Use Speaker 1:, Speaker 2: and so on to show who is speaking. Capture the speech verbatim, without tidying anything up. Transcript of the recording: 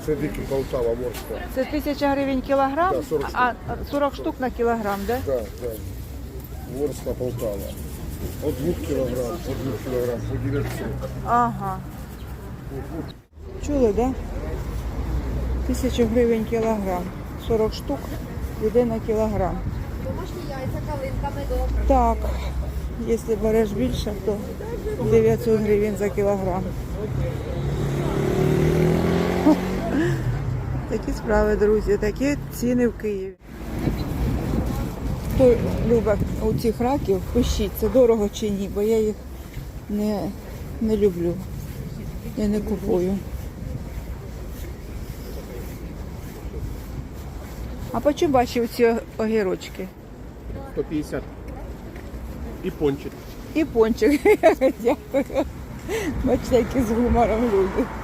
Speaker 1: Це дикі Полтава, Ворскла.
Speaker 2: Це тисяча гривень кілограм,
Speaker 1: Да, сорок штук.
Speaker 2: а сорок штук на кілограм, да?
Speaker 1: Так, так. Ворскла, Полтава. От двох кілограм, от двох кілограм, по дев'ятсот.
Speaker 2: Ага. Чули, да? Тисяча гривень кілограм. сорок штук йде на кілограм.
Speaker 3: Домашні яйця калинками добре.
Speaker 2: Так, якщо береш більше, то дев'ятсот гривень за кілограм. Такі справи, друзі, такі ціни в Києві. Хто любить у цих раків, пишіть, це дорого чи ні, бо я їх не, не люблю. Я не купую. А по чому бачив ці огірочки?
Speaker 4: сто п'ятдесят. І пончик.
Speaker 2: І пончик. Дякую. Бачите, які з гумором люди.